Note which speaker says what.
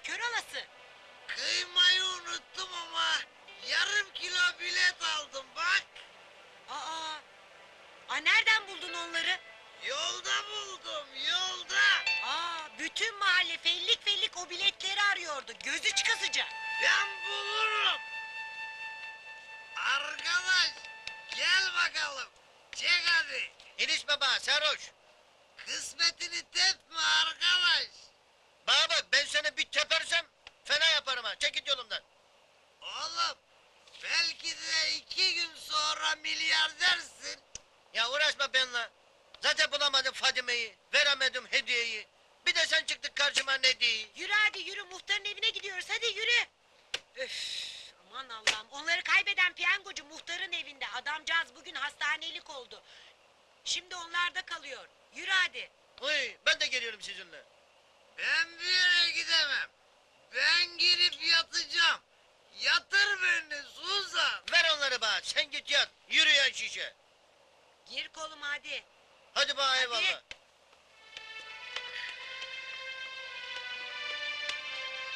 Speaker 1: kör olası.
Speaker 2: Kıymayı unuttum ama yarım kilo bilet aldım bak.
Speaker 1: Aa, nereden buldun onları?
Speaker 2: Yolda buldum yolda.
Speaker 1: Bütün mahalle fellik fellik o biletleri arıyordu. Gözü çıkasıca.
Speaker 2: Ben bulurum. Arkadaş gel bakalım. Çek hadi.
Speaker 3: İniş baba sarhoş.
Speaker 2: Kısmetini tepme arkadaş.
Speaker 3: Bana bak ben seni bir tepersem fena yaparım ha. Çek git yolumdan.
Speaker 2: Oğlum belki de 2 gün sonra milyardersin.
Speaker 3: Ya uğraşma benimle. Zaten bulamadım Fadime'yi. Veremedim hediyeyi. Bir de sen çıktık karşıma ne diye.
Speaker 1: Yürü hadi yürü, muhtarın evine gidiyoruz, hadi yürü. Öf, aman Allah'ım, onları kaybeden piyangocu muhtarın evinde. Adamcağız bugün hastanelik oldu. Şimdi onlarda kalıyor. Yürü hadi.
Speaker 3: Uy ben de geliyorum sizinle.
Speaker 2: Ben bir yere gidemem. Ben girip yatacağım. Yatır beni Suzan.
Speaker 3: Ver onları bana sen git yat. Yürüyen şişe.
Speaker 1: Gir koluma hadi.
Speaker 3: Hadi bana
Speaker 1: Hadi.
Speaker 3: eyvallah.